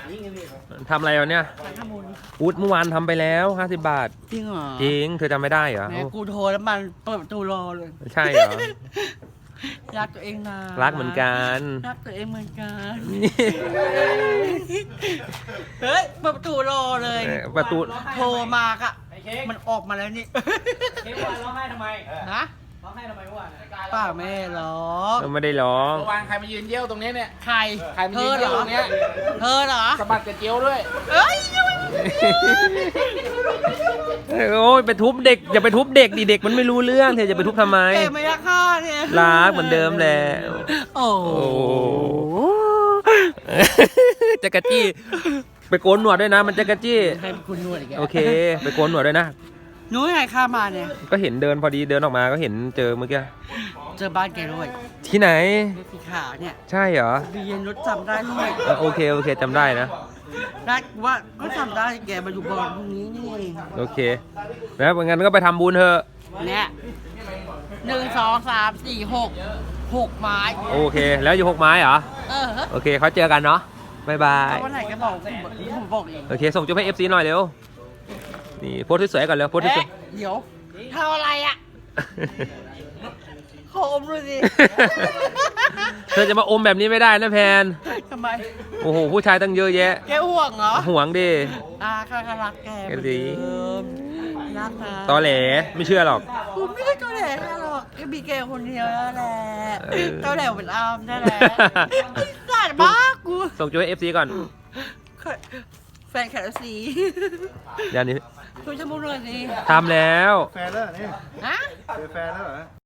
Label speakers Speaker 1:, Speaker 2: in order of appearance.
Speaker 1: ทำอะไรวะเนี่ยอูดเมื่อวานทำไปแล้ว50 บาท
Speaker 2: จริงเหรอ
Speaker 1: จริงเธอจำไม่ได้เหรอ
Speaker 2: แม่กูโทรแล้วมันเปิดประตูรอเลย
Speaker 1: ใช่เหรอ
Speaker 2: รักตัวเองนะ
Speaker 1: รักเหมือนกัน
Speaker 2: รักตัวเองเหมือนกันเฮ้ยเปิดประตูรอเลย
Speaker 1: ประตู
Speaker 2: โทรมากะมันออกมาแล้วนี่
Speaker 3: เค้กวันร้องไห้ทำไม
Speaker 2: นะ
Speaker 3: ร้องไห้ทำไมเมื่อวาน
Speaker 2: ป้าแม่หรอ
Speaker 1: ไม่ได้ร้อง
Speaker 4: เมื่อวานใครมายืนเยี่ยวตรงนี้เนี่ย
Speaker 2: ใคร
Speaker 4: ใครมา
Speaker 2: เธ
Speaker 4: ยื
Speaker 2: อน เห
Speaker 4: เยี่
Speaker 2: ร
Speaker 4: ยว
Speaker 2: อ
Speaker 4: ตรงเนี้ย
Speaker 2: เธอเหรอ
Speaker 4: สะบัดกระเจียวด้วย
Speaker 2: เอ้ย
Speaker 1: โอ้ยไปทุบเด็กอย่าไปทุบเด็กดิเด็กมันไม่รู้เรื่องเธอจะไปทุบทำไม
Speaker 2: เก๋ไม่รักข้าเนี่ย
Speaker 1: รักเหมือนเดิมแหละ
Speaker 2: โอ้โห
Speaker 1: จักรจี้ไปโกนหนวดด้วยนะ มันจักรจี้
Speaker 2: ให้คุณนวดอีกแล้ว
Speaker 1: โอเค ไปโกนหนวดด้วยนะ
Speaker 2: นุ้ยไงข้ามาเนี่ย
Speaker 1: ก็เห็นเดินพอดีเดินออกมาก็เห็นเจอเมื่อกี้
Speaker 2: เจอบ้านแกด้วย
Speaker 1: ที่ไหน
Speaker 2: รถสีขาวเนี่ย
Speaker 1: ใช่เหรอ
Speaker 2: บีเย็นรถจำได้ด้วย
Speaker 1: โอเคโอเคจำได้นะ
Speaker 2: ได้ว่าก็จำได้แกมาอยู่บอลพรุ่งนี้นี่เอง
Speaker 1: โอเคนะงั้นก็ไปทำบุญเถอะ
Speaker 2: เนี่ย1 2 3 4 6ไม้
Speaker 1: โอเค แล้วอยู่6 ไม้เหรอ
Speaker 2: เออ
Speaker 1: โอเคเขาเจอกันเนาะบายบาย
Speaker 2: วันไหนก็บอกผมบอกเอง
Speaker 1: โอเคส่งจุ๊บให้ FC หน่อยเร็วนี่โพสสวยๆก่อนเร็วโพสสวย
Speaker 2: เอ๊ะเดี๋ยวทำอะไรอ่ะ
Speaker 1: ๆ
Speaker 2: ขออมดูสิ
Speaker 1: เธอจะมาอมแบบนี้ไม่ได้นะแพน
Speaker 2: ทำไม
Speaker 1: โอ้โหผู้ชายตั้งเยอะแยะ
Speaker 2: แกห่วงเหรอ
Speaker 1: ห่วงดิ
Speaker 2: ข้าก็รักแกเหมือน
Speaker 1: ดี
Speaker 2: เดิมรักนะ
Speaker 1: ตอแหลไม่เชื่อหรอก
Speaker 2: ผมไม่ได้ตัวแหลหรอกแค่มีแกคนเดียวแล้วแหละ
Speaker 1: เออ
Speaker 2: ตัวแหลเป็นอามนั่นแหละไอ้สัตว์บ้ากู
Speaker 1: ส่งจุ๊บให้ FC ก่อน
Speaker 2: แฟนแคลซี
Speaker 1: เดี๋ยวนี้
Speaker 2: ช่วยฉันพูดหน่อยสิ
Speaker 1: ทำแล้ว
Speaker 5: แฟนแล้วเหรอนี่
Speaker 2: ฮะ
Speaker 5: เจอแฟนแล้วเหรอ